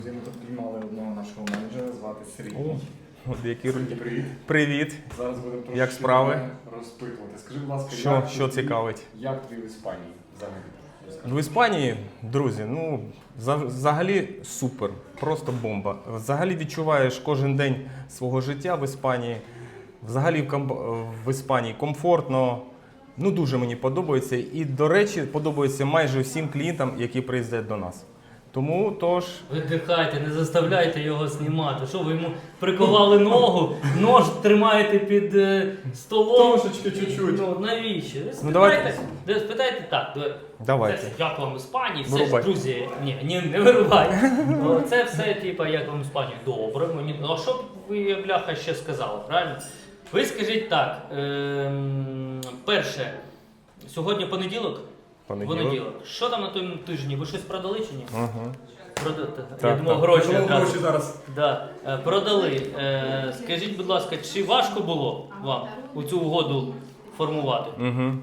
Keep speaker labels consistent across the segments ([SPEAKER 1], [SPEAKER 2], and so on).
[SPEAKER 1] Ми тут піймали одного нашого менеджера, звати Сергій.
[SPEAKER 2] Сергій,
[SPEAKER 1] привіт.
[SPEAKER 2] Привіт.
[SPEAKER 1] Зараз будемо трошки
[SPEAKER 2] Як справи?
[SPEAKER 1] розпитувати. Скажи, будь ласка,
[SPEAKER 2] Що цікавить?
[SPEAKER 1] Як тобі в Іспанії взагалі?
[SPEAKER 2] В Іспанії, друзі, взагалі супер, просто бомба. Взагалі відчуваєш кожен день свого життя в Іспанії. Взагалі в Іспанії комфортно, дуже мені подобається. І, до речі, подобається майже всім клієнтам, які приїздять до нас. Тому, тож...
[SPEAKER 3] Видихайте, не заставляйте його знімати. Що, ви йому приковали ногу, нож тримаєте під столом?
[SPEAKER 1] Трошечки, чуть-чуть.
[SPEAKER 3] Ну, навіщо? Ви
[SPEAKER 2] давайте.
[SPEAKER 3] Спитайте так.
[SPEAKER 2] Давайте.
[SPEAKER 3] Це як вам в Іспанії? Все
[SPEAKER 2] Вирубай.
[SPEAKER 3] ж, друзі, ні, не вирубай. Це все, типа, як вам в Іспанії? Добре, мені. А що б ви, бляха, ще сказали, правильно? Ви скажіть так, перше, сьогодні понеділок? Понеділок. Що там на тому тижні? Ви щось продали чи ні?
[SPEAKER 2] Угу.
[SPEAKER 3] Я думав, гроші.
[SPEAKER 1] Гроші зараз.
[SPEAKER 3] Да. Продали. Скажіть, будь ласка, чи важко було вам у цю угоду формувати?
[SPEAKER 2] Угу.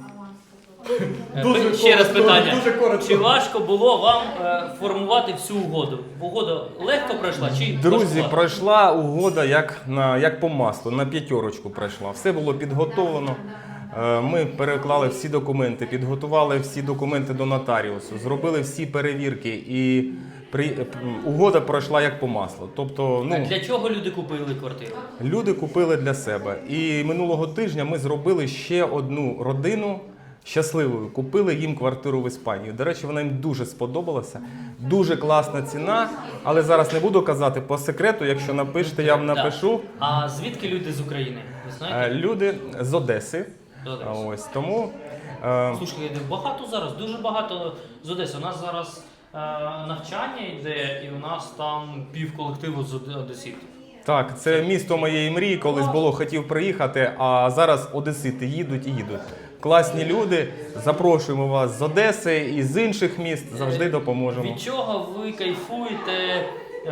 [SPEAKER 3] Ще раз питання.
[SPEAKER 1] Дуже коротко.
[SPEAKER 3] Чи важко було вам формувати всю угоду? Угода легко пройшла чи
[SPEAKER 2] Друзі,
[SPEAKER 3] важкувато?
[SPEAKER 2] пройшла угода як по маслу, на 5 пройшла. Все було підготовлено. Ми переклали всі документи, підготували всі документи до нотаріусу, зробили всі перевірки і угода пройшла як по маслу. Тобто,
[SPEAKER 3] А для чого люди купили квартиру?
[SPEAKER 2] люди купили для себе. І минулого тижня ми зробили ще одну родину щасливою. Купили їм квартиру в Іспанії. До речі, вона їм дуже сподобалася. Дуже класна ціна, але зараз не буду казати по секрету, якщо напишете, я вам напишу.
[SPEAKER 3] А звідки люди з України? Ви знаєте?
[SPEAKER 2] Люди з Одеси.
[SPEAKER 3] З Одеси.
[SPEAKER 2] Ось тому.
[SPEAKER 3] Слушай, багато зараз, дуже багато з Одеси. У нас зараз навчання йде, і у нас там пів колективу з одеситів.
[SPEAKER 2] Так, це місто моєї мрії, колись було, хотів приїхати, а зараз одесити їдуть і їдуть. Класні люди, запрошуємо вас з Одеси і з інших міст, завжди допоможемо.
[SPEAKER 3] Від чого ви кайфуєте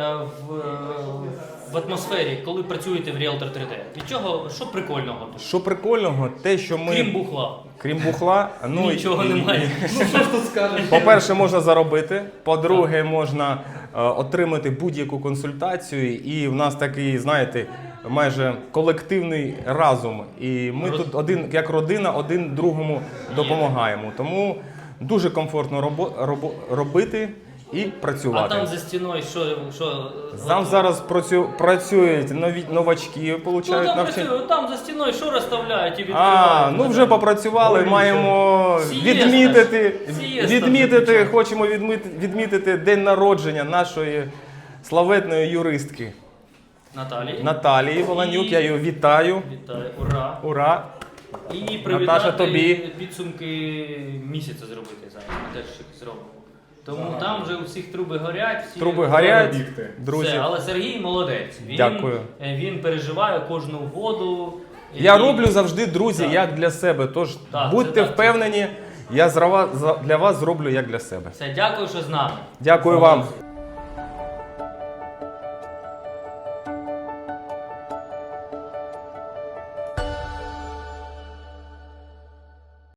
[SPEAKER 3] в атмосфері, коли працюєте в Realtor 3D? Від чого, що прикольного?
[SPEAKER 2] Що прикольного, те, що ми...
[SPEAKER 3] Крім бухла.
[SPEAKER 2] Крім бухла,
[SPEAKER 3] Нічого немає.
[SPEAKER 1] Ну що ж тут скажеш?
[SPEAKER 2] По-перше, можна заробити, по-друге, можна отримати будь-яку консультацію, і в нас такий, знаєте, майже колективний разум. І ми тут як родина один другому допомагаємо. Тому дуже комфортно робити і працювати.
[SPEAKER 3] А там за стіною що?
[SPEAKER 2] Там зараз працюють новачки, получають навчання.
[SPEAKER 3] Там за стіною що розставляють і відкривають?
[SPEAKER 2] Вже попрацювали, маємо відмітити, хочемо відмітити день народження нашої славетної юристки Наталії Воланюк. Я її вітаю.
[SPEAKER 3] Вітаю, ура!
[SPEAKER 2] Ура!
[SPEAKER 3] І
[SPEAKER 2] Наташа,
[SPEAKER 3] привітати
[SPEAKER 2] тобі.
[SPEAKER 3] підсумки місяця зробити зараз. Ми теж щось зробимо. Тому там вже у всіх труби горять.
[SPEAKER 2] Труби горять,
[SPEAKER 1] бігти.
[SPEAKER 2] друзі.
[SPEAKER 3] Все, але Сергій молодець.
[SPEAKER 2] Дякую.
[SPEAKER 3] Він переживає кожну угоду.
[SPEAKER 2] Я роблю завжди, друзі, як для себе. Тож будьте впевнені, я для вас зроблю як для себе.
[SPEAKER 3] Все, дякую, що з нами.
[SPEAKER 2] Дякую вам.